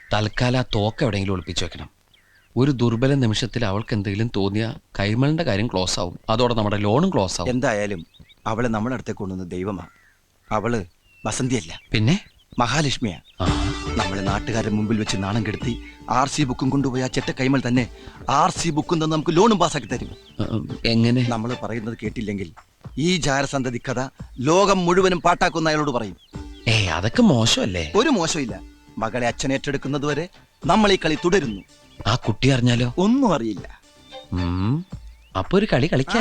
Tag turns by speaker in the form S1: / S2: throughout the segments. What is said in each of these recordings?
S1: തൽക്കാലം ആ തോക്ക് എവിടെയെങ്കിലും ഒളിപ്പിച്ചു വെക്കണം. ഒരു ദുർബല നിമിഷത്തിൽ അവൾക്ക് എന്തെങ്കിലും തോന്നിയാൽ കൈമളിന്റെ കാര്യം ക്ലോസ് ആവും. അതോടെ നമ്മുടെ ലോണും ക്ലോസ് ആവും.
S2: എന്തായാലും അവളെ നമ്മുടെ അടുത്തേക്ക് കൊണ്ടുവന്ന ദൈവമാ. അവള് വസന്തിയല്ല,
S1: പിന്നെ
S2: മഹാലക്ഷ്മിയാ. നമ്മളെ നാട്ടുകാരുടെ മുമ്പിൽ വെച്ച് നാണം കെടുത്തി RC ബുക്കും കൊണ്ടുപോയി ആ ചെറ്റ കൈമൾ തന്നെ RC ബുക്കും തന്നെ നമുക്ക് ലോണും പാസ്സാക്കി തരും.
S1: എങ്ങനെ?
S2: നമ്മൾ പറയുന്നത് കേട്ടില്ലെങ്കിൽ ഈ ജാരസന്തതി കഥ ലോകം മുഴുവനും പാട്ടാക്കുന്ന അയാളോട് പറയും.
S1: അതൊക്കെ മോശമല്ലേ?
S2: ഒരു മോശമില്ല. മകളെ അച്ഛൻ ഏറ്റെടുക്കുന്നത് വരെ നമ്മൾ ഈ കളി തുടരുന്നു.
S1: ആ കുട്ടി അറിഞ്ഞാലോ?
S2: ഒന്നും അറിയില്ല.
S1: അപ്പൊ ഒരു കളി കളിക്കാൻ.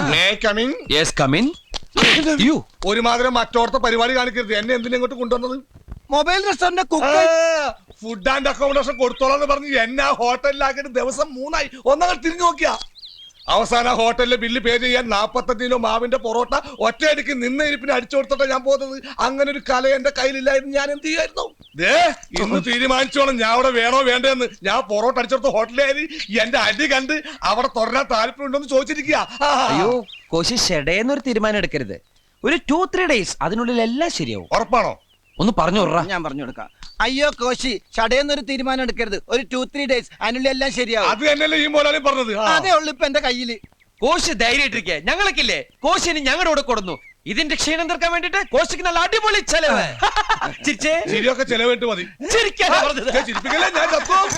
S3: ഒരുമാതിരി മറ്റോർത്ത പരിപാടി കാണിക്കരുത്. എന്നെ എന്തിനാ ഇങ്ങോട്ട് കൊണ്ടുവന്നത്?
S2: Mobile restaurant
S3: food and accommodation കൊടുത്തോളാന്ന് പറഞ്ഞ് എന്നെ ആ ഹോട്ടലിലാക്കിയിട്ട് ദിവസം 3 ആയി. ഒന്നങ്ങൾ തിരിഞ്ഞു നോക്കിയാ അവസാന ഹോട്ടലിലെ ബില്ല് പേ ചെയ്യാൻ 45 കിലോ മാവിന്റെ പൊറോട്ട ഒറ്റയടിക്ക് നിന്ന ഇരിപ്പിന് അടിച്ചു കൊടുത്തിട്ടാ ഞാൻ പോകുന്നത്. അങ്ങനെ ഒരു കല എന്റെ കയ്യിലില്ലായിരുന്നു. ഞാൻ എന്ത് ചെയ്യായിരുന്നു? ഇന്ന് തീരുമാനിച്ചോളാം ഞാൻ അവിടെ വേണോ വേണ്ടെന്ന്. ഞാൻ പൊറോട്ട അടിച്ചെടുത്ത ഹോട്ടലിൽ എന്റെ അടി കണ്ട് അവിടെ തുടരാൻ താല്പര്യം ഉണ്ടോന്ന് ചോദിച്ചിരിക്കുക.
S4: അയ്യോ കോശി, ഷെഡേന്നൊരു തീരുമാനം എടുക്കരുത്. ഒരു 2-3 ഡേയ്സ് അതിനുള്ളിൽ എല്ലാം ശരിയാവും.
S3: ഉറപ്പാണോ?
S1: ഒന്ന് പറഞ്ഞു വിടറാ.
S2: ഞാൻ പറഞ്ഞു കൊടുക്കാം. അയ്യോ കോശി, ചടയെന്നൊരു തീരുമാനം എടുക്കരുത്. ഒരു 2-3 ഡേയ്സ് അതിനുള്ളിൽ എല്ലാം ശരിയാവും.
S3: അത് തന്നെയല്ലേ ഈ മോലാലും പറഞ്ഞത്.
S2: അതേ ഉള്ളു ഇപ്പൊ എന്റെ കയ്യില്.
S4: കോശി ധൈര്യമായിട്ടിരിക്കെ, ഞങ്ങൾക്കില്ലേ കോശിന് ഞങ്ങളുടെ കൂടെ കൊടുന്നു. ഇതിന്റെ ക്ഷീണം തീർക്കാൻ വേണ്ടിട്ട് കോശിക്ക് നല്ല അടിപൊളി ചെലവ്.
S3: ശരിയൊക്കെ ചെലവിട്ട് മതി. ചിരിപ്പിക്കല്ലേ, ഞാൻ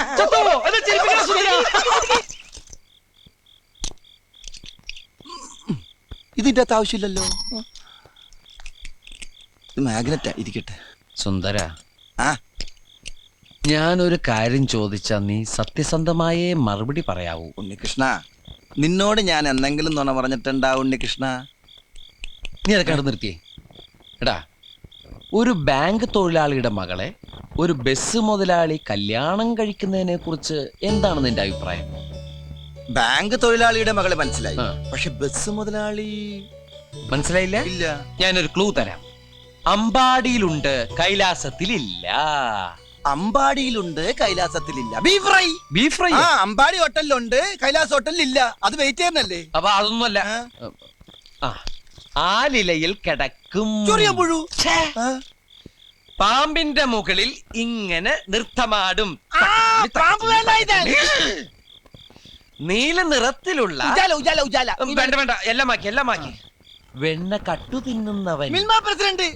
S2: ഇതിന്റെ അകത്ത് ആവശ്യമില്ലല്ലോ. മാഗ്നറ്റാ, ഇരിക്കട്ടെ.
S1: സുന്ദര, ഞാനൊരു കാര്യം ചോദിച്ചാ നീ സത്യസന്ധമായേ മറുപടി പറയാവൂ.
S2: ഉണ്ണികൃഷ്ണ, നിന്നോട് ഞാൻ എന്തെങ്കിലും നുണ പറഞ്ഞിട്ടുണ്ടാ ഉണ്ണികൃഷ്ണ?
S1: നീ അതൊക്കെ കണ്ടു നിർത്തിയേ. എടാ, ഒരു ബാങ്ക് തൊഴിലാളിയുടെ മകളെ ഒരു ബസ് മുതലാളി കല്യാണം കഴിക്കുന്നതിനെ കുറിച്ച് എന്താണ് നിന്റെ അഭിപ്രായം?
S2: ബാങ്ക് തൊഴിലാളിയുടെ മകളെ മനസ്സിലായി, പക്ഷെ ബസ് മുതലാളി
S1: മനസ്സിലായില്ല?
S2: ഇല്ല.
S1: ഞാനൊരു ക്ലൂ തരാം. അമ്പാടിയിലുണ്ട്, കൈലാസത്തിലില്ല.
S2: അമ്പാടിയിലുണ്ട്, കൈലാസത്തിലില്ല. Beef fry.
S1: Beef fry
S2: Ambadi ഹോട്ടലിലുണ്ട്, കൈലാസ് ഹോട്ടലിലില്ല. അത് വെയിറ്റ് ചെയ്യുന്നല്ലേ?
S1: അപ്പൊ അതൊന്നുമല്ല. ആലിലയിൽ കിടക്കും
S2: പുഴു.
S4: പാമ്പിന്റെ മുകളിൽ ഇങ്ങനെ നൃത്തമാടും.
S1: നീല നിറത്തിലുള്ള വേണ്ട വേണ്ട, എല്ലാം മാക്കി. വെണ്ണ കട്ടു തിന്നുന്നവൻ.
S2: പ്രസിഡന്റ്.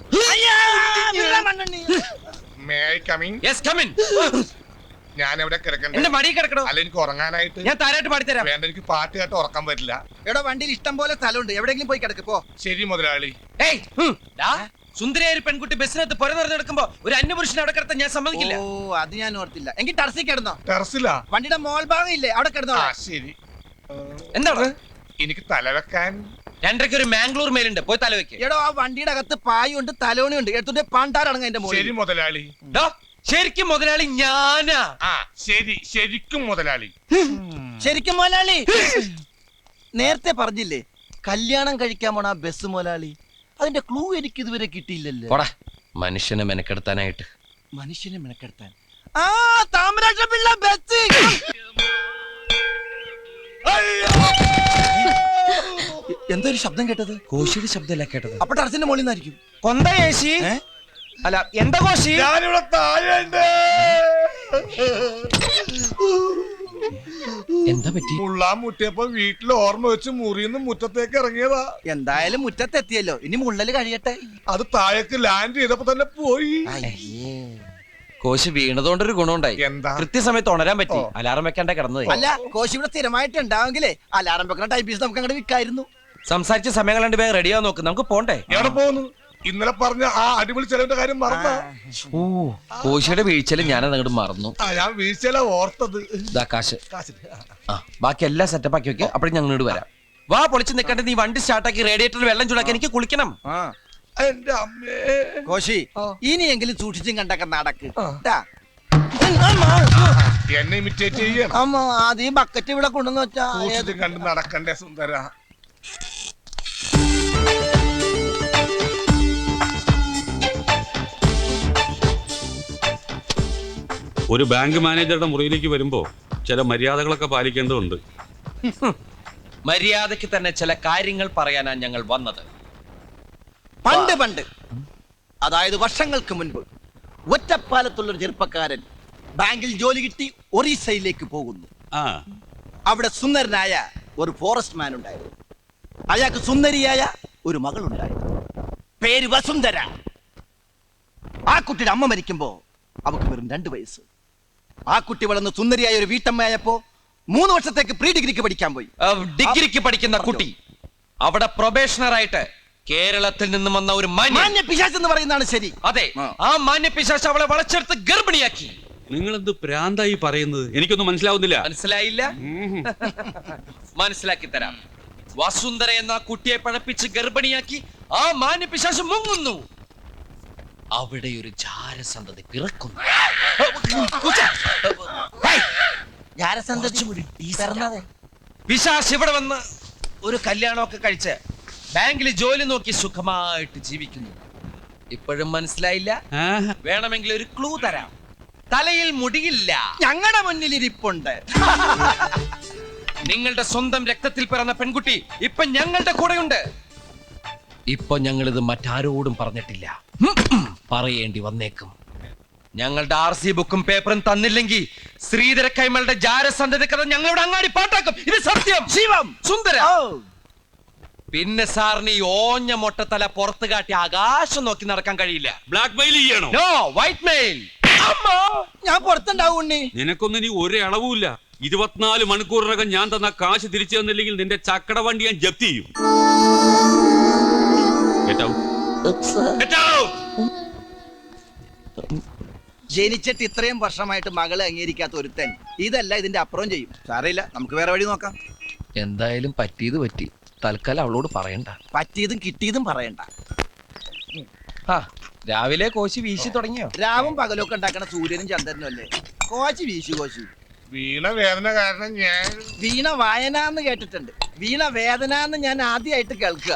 S3: ഞാൻ എവിടെ കിടക്കണ്ട?
S4: എന്റെ മടി കിടക്കണോ?
S3: അല്ല, എനിക്ക് ഉറങ്ങാനായിട്ട്.
S4: ഞാൻ താരായിട്ട് പാടിത്തരാം.
S3: വേണ്ട, എനിക്ക് പാട്ട് കേട്ട് ഉറക്കാൻ പറ്റില്ല.
S2: എടോ, വണ്ടിയിൽ ഇഷ്ടം പോലെ സ്ഥലമുണ്ട്, എവിടെയെങ്കിലും പോയി കിടക്ക് പോ.
S3: ശരി മുതലാളി.
S4: സുന്ദരിയായ ഒരു പെൺകുട്ടി ബസ്സിനകത്ത് പുര നിറഞ്ഞെടുക്കുമ്പോ ഒരു അന്യപുരുഷനെ അവിടെ കിടത്താൻ ഞാൻ സമ്മതിക്കില്ല.
S2: ഓ, അത് ഞാൻ ഓർത്തില്ല. എങ്കിൽ ടെറസിൽ കിടന്നോ.
S3: ടെറസിലാ?
S2: വണ്ടിയുടെ മോൾ ഭാഗം ഇല്ലേ, അവിടെ കിടന്നോ.
S3: ശരി.
S4: എന്താണ്?
S3: എനിക്ക് തലവെക്കാൻ
S4: 2:30 ഒരു മാംഗ്ലൂർ മേലുണ്ട്, പോയി തലവെക്ക്.
S2: എടോ, ആ വണ്ടിയുടെ അകത്ത് പായുണ്ട്, തലോണിയുണ്ട്. എടുത്തിട്ട് പാണ്ടാറടങ്ങ എന്റെ മോൾ.
S3: ശരി മുതലാളി.
S4: ശരിക്കും മുതലാളി ഞാനാ.
S3: ശരി, ശരിക്കും മുതലാളി.
S2: ശരിക്കും മുതലാളി. നേരത്തെ പറഞ്ഞില്ലേ കല്യാണം കഴിക്കാൻ പോണ ബസ് മുതലാളി? അതിന്റെ ക്ലൂ എനിക്ക് ഇതുവരെ കിട്ടിയില്ലല്ലോ.
S1: മനുഷ്യനെ മെനക്കെടുത്താനായിട്ട്.
S2: മനുഷ്യനെ മെനക്കെടുത്താൻ താമരാക്ഷ പിള്ള ബസ്. എന്തൊരു ശബ്ദം കേട്ടത്?
S1: കോശിയുടെ ശബ്ദമല്ല കേട്ടത്.
S2: അപ്പൊ ടെറസിന്റെ മുകളിൽ നിന്നായിരിക്കും.
S4: കൊന്ത കോശി. അല്ല, എന്താ കോശി?
S3: ഞാനിവിടെ താഴെയുണ്ട്.
S1: എന്താ പറ്റി?
S3: മുള്ളാൻ മുട്ടിയപ്പോ വീട്ടിൽ ഓർമ്മ വെച്ച് മുറിന്ന് മുറ്റത്തേക്ക് ഇറങ്ങിയതാ.
S2: എന്തായാലും മുറ്റത്തെത്തിയല്ലോ, ഇനി മുള്ളല് കഴിയട്ടെ.
S3: അത് താഴേക്ക് ലാൻഡ് ചെയ്തപ്പോ തന്നെ പോയി.
S1: കോശി വീണതുകൊണ്ടൊരു ഗുണമുണ്ടായി.
S3: എന്താ?
S1: കൃത്യസമയത്ത് ഉണരാൻ പറ്റി. അലാറം വെക്കാണ്ട കിടന്നത്.
S2: അല്ല, കോശി ഇവിടെ സ്ഥിരമായിട്ട് ഉണ്ടാവെങ്കിലേ അലാറം വെക്കുന്ന ടൈപ്പീസ് നമുക്ക് അങ്ങോട്ട് വിൽക്കായിരുന്നു.
S1: സംസാരിച്ച സമയങ്ങൾ 2 പേര് റെഡിയാ നോക്ക്, നമുക്ക് പോണ്ടേ?
S3: എവിടെ പോകുന്നു? ഇന്നലെ പറഞ്ഞ ആ അടിപൊളി ചെലവിന്റെ കാര്യം മറന്ന.
S1: കോശിയുടെ വീഴ്ചയിൽ ഞാനത് അങ്ങോട്ട് മറന്നു.
S3: ഞാൻ വീഴ്ചയില ഓർത്തത്.
S1: കാശ്. ബാക്കി എല്ലാം സെറ്റപ്പ് ആക്കി വെക്കുക. അപ്പോഴും ഞങ്ങൾ ഇങ്ങോട്ട് വരാം. വാ, പൊളിച്ച് നിൽക്കട്ടെ. നീ വണ്ടി സ്റ്റാർട്ടാക്കി റേഡിയേറ്ററിൽ വെള്ളം ചൂടാക്കി എനിക്ക് കുളിക്കണം.
S3: എന്റെ അമ്മേ.
S2: കോശി, ഇനിയെങ്കിലും സൂക്ഷിച്ചും കണ്ടൊക്കെ നടക്ക്.
S3: എന്നെ ഇമിറ്റേറ്റ് ചെയ്യണം.
S2: അമ്മ, അത് ഈ ബക്കറ്റ് ഇവിടെ കൊണ്ടുവന്ന് വെച്ചാ
S3: സൂക്ഷിച്ചും കണ്ട് നടക്കണ്ടേ സുന്ദര.
S5: ഒരു ബാങ്ക് മാനേജറുടെ മുറിയിലേക്ക് വരുമ്പോ ചില മര്യാദകളൊക്കെ പാലിക്കേണ്ടതുണ്ട്.
S4: മര്യാദയ്ക്ക് തന്നെ ചില കാര്യങ്ങൾ പറയാനാണ് ഞങ്ങൾ വന്നത്.
S2: പണ്ട് അതായത് വർഷങ്ങൾക്ക് മുൻപ് ഒറ്റപ്പാലത്തുള്ളൊരു ചെറുപ്പക്കാരൻ ബാങ്കിൽ ജോലി കിട്ടി ഒറീസയിലേക്ക് പോകുന്നു.
S5: ആ
S2: അവിടെ സുന്ദരനായ ഒരു ഫോറസ്റ്റ് മാൻ ഉണ്ടായിരുന്നു. അയാൾക്ക് സുന്ദരിയായ ഒരു മകളുണ്ടായിരുന്നു. പേര് വസുന്ധര. ആ കുട്ടിയുടെ അമ്മ മരിക്കുമ്പോ അവക്ക് വെറും 2 വയസ്സ്. ആ കുട്ടി വളർന്ന് സുന്ദരിയായ ഒരു വീട്ടമ്മയായപ്പോ 3 വർഷത്തേക്ക് പ്രീ ഡിഗ്രിക്ക് പഠിക്കാൻ പോയി.
S4: ഡിഗ്രിക്ക് പഠിക്കുന്ന കുട്ടി അവിടെ പ്രൊബേഷണർ ആയിട്ട് കേരളത്തിൽ നിന്നും വന്ന ഒരു
S2: മാന്യ പിശാച് എന്ന് പറയുന്നതാണ് ശരി.
S4: അതെ, ആ മാന്യ പിശാച് അവളെ വളച്ചെടുത്ത് ഗർഭിണിയാക്കി.
S5: നിങ്ങൾ എന്ത് പ്രാന്തായി പറയുന്നത്? എനിക്കൊന്നും മനസ്സിലാവുന്നില്ല.
S4: മനസ്സിലായില്ല? മനസ്സിലാക്കി തരാം. വസുന്ധര എന്ന കുട്ടിയെ പഴപ്പിച്ച് ഗർഭിണിയാക്കി ആ മാന്യ പിശാച് മുങ്ങുന്നു. അവിടെ ഒരു ജാരസന്തതി പിറക്കുന്നു. പിശാച് ഇവിടെ വന്ന് ഒരു കല്യാണമൊക്കെ കഴിച്ച് ബാങ്കിൽ ജോലി നോക്കി സുഖമായിട്ട് ജീവിക്കുന്നു. ഇപ്പോഴും മനസ്സിലായില്ല?
S5: ആഹാ.
S4: വേണമെങ്കിൽ ഒരു ക്ലൂ തരാം. തലയിൽ മുടിയില്ല.
S2: ഞങ്ങളുടെ മുന്നിൽ ഇരിപ്പുണ്ട്.
S4: നിങ്ങളുടെ സ്വന്തം രക്തത്തിൽ പിറന്ന പെൺകുട്ടി ഇപ്പൊ ഞങ്ങളുടെ കൂടെയുണ്ട്. ഇപ്പൊ ഞങ്ങളിത് മറ്റാരോടും പറഞ്ഞിട്ടില്ല. പറയേണ്ടി വന്നേക്കും. ഞങ്ങളുടെ RC ബുക്കും പേപ്പറും തന്നില്ലെങ്കിൽ ശ്രീധര കൈമളുടെ ജാരസന്ധതി കഥ ഞങ്ങളുടെ അങ്ങാടി പാട്ടാക്കും. ഇത് സത്യം.
S2: ശിവം
S4: സുന്ദര. പിന്നെ സാറിന് ഈ ഓഞ്ഞ മൊട്ടത്തല പുറത്ത് കാട്ടി ആകാശം നോക്കി നടക്കാൻ കഴിയില്ല.
S5: ബ്ലാക്ക് മെയിൽ ചെയ്യണോ?
S4: No, white mail.
S2: ഞാൻ പുറത്തുണ്ടാവും ഉണ്ണി.
S5: നിനക്കൊന്നും ഇനി ഒരു അളവുമില്ല. 24 മണിക്കൂറിനകം ഞാൻ തന്ന കാശ് തിരിച്ചു തന്നില്ലെങ്കിൽ നിന്റെ ചക്കട വണ്ടി ഞാൻ ജപ്തി ചെയ്യും. Get out. Get out.
S2: ജനിച്ചിട്ട് ഇത്രയും വർഷമായിട്ട് മകളെ അംഗീകരിക്കാത്ത ഒരുത്തൻ ഇതല്ല ഇതിന്റെ അപ്പുറം ചെയ്യും. സാരമില്ല, നമുക്ക് വേറെ വഴി നോക്കാം.
S1: എന്തായാലും പറ്റിയത് പറ്റി. തൽക്കാലം അവളോട് പറയണ്ട.
S2: പറ്റിയതും കിട്ടിയതും പറയണ്ട.
S4: ആ, രാവിലെ കോശി വീശി തുടങ്ങിയോ?
S2: രാവും പകലൊക്കെ ഉണ്ടാക്കണ സൂര്യനും ചന്ദ്രനും അല്ലേ? കോശി വീശു കോശി.
S3: വീണ വേദന കാരണം ഞാൻ
S2: വീണ വായന എന്ന് കേട്ടിട്ടുണ്ട്. വീണ വേദന എന്ന് ഞാൻ ആദ്യമായിട്ട് കേൾക്കുക.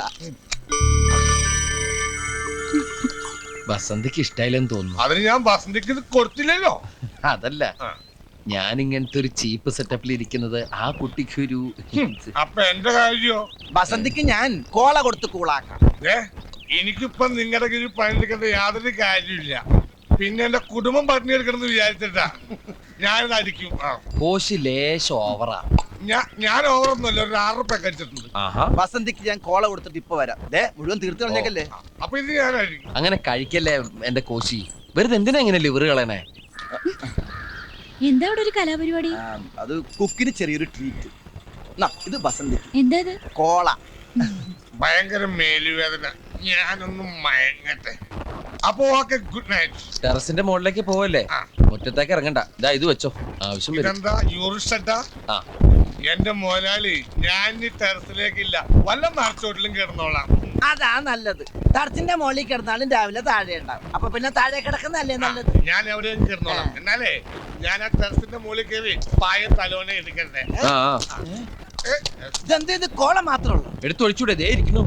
S1: വസന്തിക്ക് ഇഷ്ടായില്ലെന്ന് തോന്നുന്നു.
S3: അതിന് ഞാൻ വസന്തിക്ക് ഇത് കൊടുത്തില്ലല്ലോ.
S1: അതല്ല, ഞാൻ ഇങ്ങനത്തെ ഒരു ചീപ്പ് സെറ്റപ്പിൽ ഇരിക്കുന്നത് ആ കുട്ടിക്ക് ഒരു
S3: അപ്പൊ എന്റെ കാര്യോ?
S2: വസന്തിക്ക് ഞാൻ കോള കൊടുത്ത് കൂളാക്കാം.
S3: എനിക്കിപ്പം നിങ്ങളുടെ കീഴിൽ പണിയെടുക്കേണ്ട യാതൊരു കാര്യമില്ല. പിന്നെ എന്റെ കുടുംബം പട്ടിണിയെടുക്കണമെന്ന് വിചാരിച്ചിട്ടാ ഞാനിത് അടിക്കും.
S1: കോശി ലേശം ഓവറാ.
S3: ഞാൻ ഓവറൊന്നുമല്ല, ഒരു 6 റുപ്യ കഴിച്ചിട്ടുണ്ട്.
S2: വസന്തിക്ക് ഞാൻ കോള കൊടുത്തിട്ട് ഇപ്പൊ വരാം. മുഴുവൻ തീർത്ത് കളഞ്ഞേക്കല്ലേ.
S3: അപ്പൊ ഇത് ഞാൻ അടിക്കും.
S1: അങ്ങനെ കഴിക്കല്ലേ എന്റെ കോശി. വെറുതെ എന്തിനാ ഇങ്ങനെ ലിവർ കളയണേ?
S6: എന്താ അവിടെ ഒരു കലാപരിപാടി?
S2: അത് കുക്കിന് ചെറിയൊരു ട്രീറ്റ്. ഇത് വസന്തിക്ക്.
S6: എന്താ ഇത്?
S2: കോള.
S3: ഭയങ്കര മേലുവേദന. ഞാനൊന്നും മയങ്ങട്ടെ. അപ്പൊ ഓക്കെ, ഗുഡ് നൈറ്റ്.
S1: ടെറസിന്റെ മുകളിലേക്ക് പോവല്ലേ? മുറ്റത്തേക്ക് ഇറങ്ങണ്ട. ഇതാ ഇത് വെച്ചോ, ആവശ്യം വരും.
S3: ഇതെന്താ യൂറിസ്റ്റ?
S1: ആ,
S3: എന്റെ മോലാളി, ഞാൻ ഈ ടെറസിലേക്കില്ല, വല്ല മറച്ചോട്ടിലും കിടന്നോളാം.
S2: അതാ നല്ലത്. ടർച്ചിന്റെ മുകളിൽ കിടന്നാലും രാവിലെ താഴെ ഉണ്ടാവും. അപ്പൊ പിന്നെ താഴെ കിടക്കുന്നല്ലേ നല്ലത്.
S3: ഞാൻ എവിടെയും കിടന്നോളാം. എന്നാലേ ഞാൻ ആ ടെറസിന്റെ മുകളിൽ കയറി പായ തലോനെ എടുക്കണ്ടേ?
S2: ഇതെന്ത്, ഇത് കോള മാത്രമേ ഉള്ളൂ?
S1: എടുത്തൊഴിച്ചൂടെ? ദേ ഇരിക്കുന്നു.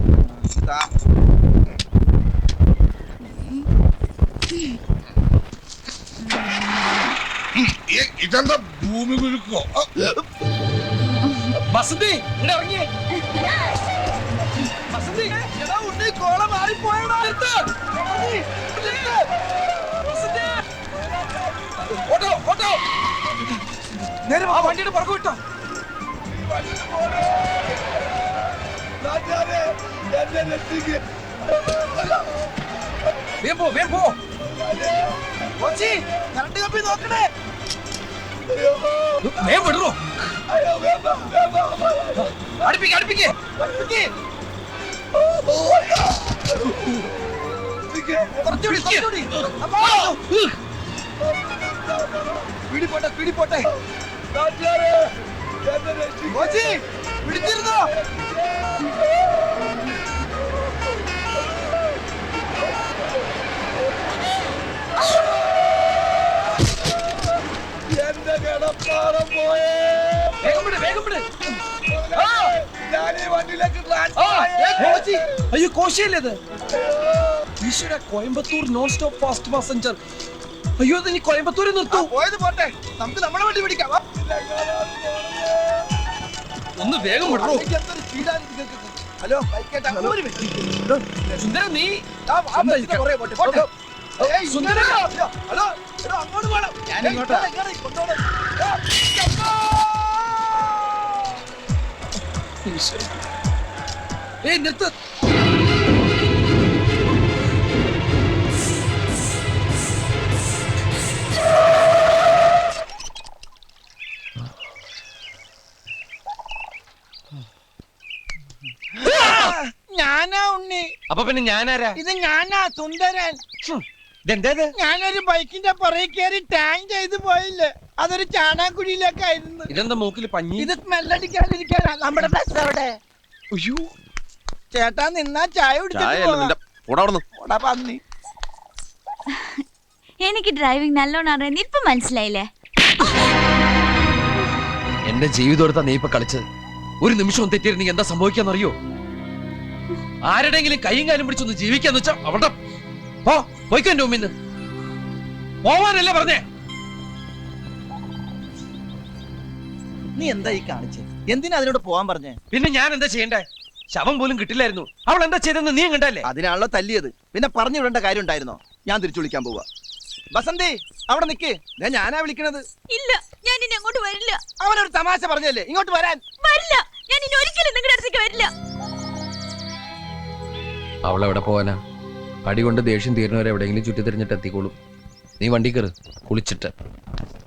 S3: ഇതെന്താ ഭൂമി കുലുക്കോ?
S4: വസന്തി ഇവിടെ ഇറങ്ങിയേ. വസന്തി,
S2: കോള മാറിപ്പോയടാ.
S4: ഓട്ടോ ഓട്ടോ, ആ വണ്ടിയുടെ പുറകു വിട്ടോ. വേഗം പോ, വേഗം പോ.
S2: കോച്ചി, കറണ്ട് കമ്പി നോക്കണേ.
S4: വേഗം വിടറോ. അടുപ്പിക്ക് അടുപ്പിക്ക്.
S2: കുറച്ചുകൂടി, കുറച്ചുകൂടി. പിടിപോട്ടെ, പിടിപോട്ടെ. കോച്ചി, പിടിച്ചിരുന്നോ? എന്റെ കിടപ്പാടം പോയേ.
S4: വേഗം വിട്, വേഗം വിട്. അയ്യോ, കോശിയല്ലേ ഇത്? ഈശ്വര, Coimbatore non stop fast passenger. അയ്യോ, ഇത് ഇനി കോയമ്പത്തൂരിൽ നിർത്തൂ.
S2: പോയത് പോട്ടെ, നമുക്ക് നമ്മളെ വണ്ടി പിടിക്കാം.
S4: ഒന്ന് വേഗം വിടറോ.
S2: ഹലോ, ബൈക്കേട്ടാ, ഒരു മിനിറ്റ്.
S4: സുന്ദര, നീ
S2: സുന്ദര, ഹലോ, അങ്ങോട്ട് പോകണം.
S4: ഏയ് നിർത്ത്.
S6: ഞാനാ ഉണ്ണി.
S4: അപ്പൊ പിന്നെ ഞാനാരാ?
S6: ഇത് ഞാനാ സുന്ദരൻ.
S4: ഇതെന്തേത്?
S6: ഞാനൊരു ബൈക്കിന്റെ പുറകെ കയറി ടാങ്ക് ചെയ്ത് പോയില്ലേ, അതൊരു ചാണാക്കുഴിയിലേക്കായിരുന്നു.
S4: ഇതെന്താ മൂക്കിൽ പഞ്ഞി?
S6: ഇത് സ്മെല്ലടിക്കാതിരിക്കാനാ. നമ്മുടെ ബസ് അവിടെ. ചേട്ടാ നിന്നാ ചായ കുടിച്ചിട്ട് പോടാ പന്നി.
S7: എനിക്ക് ഡ്രൈവിംഗ് നല്ലോണം അറിയാൻ ഇപ്പൊ മനസ്സിലായില്ലേ?
S4: എന്റെ ജീവിതം എടുത്താ നീ ഇപ്പൊ കളിച്ചത്. ഒരു നിമിഷം തെറ്റിയിരുന്നെങ്കിൽ എന്താ സംഭവിക്കാന്നറിയോ? ആരുടെങ്കിലും കൈയും കാലും പിടിച്ചൊന്ന് ജീവിക്കാന്ന് വെച്ചാ അവിടെ പോയിക്കോ എന്റെ മുമ്പിന്ന്. പോവാനല്ലേ പറഞ്ഞേ?
S2: നീ എന്താ ഈ കാണിച്ചേ? എന്തിനാ അതിനോട് പോവാൻ പറഞ്ഞേ?
S4: പിന്നെ ഞാൻ എന്താ ചെയ്യണ്ടേ? ശവം പോലും കിട്ടില്ലായിരുന്നു. അവൾ എന്താ ചെയ്തെന്ന് നീ കണ്ടല്ലേ?
S2: അതിനാണല്ലോ തല്ലിയത്. പിന്നെ പറഞ്ഞു വിടേണ്ട കാര്യം ഉണ്ടായിരുന്നോ? ഞാൻ തിരിച്ചു വിളിക്കാൻ പോവാ. ബസന്തി അവിടെ നിക്ക്, ഞാനാ വിളിക്കണത്.
S7: ഇല്ല, ഞാൻ ഇനി അങ്ങോട്ട് വരില്ല.
S2: അവനൊരു തമാശ പറഞ്ഞല്ലേ, ഇങ്ങോട്ട് വരാൻ.
S7: വരില്ല, ഞാൻ ഇനി ഒരിക്കലും നിങ്ങളുടെ അടുത്തേക്ക് വരില്ല.
S4: അവളെവിടെ പോവാനാ? അടി കൊണ്ട് ദേഷ്യം തീരുന്നവരെ എവിടെയെങ്കിലും ചുറ്റി തിരിഞ്ഞിട്ട് എത്തിക്കോളും. നീ വണ്ടി കയറ് കുളിച്ചിട്ട്.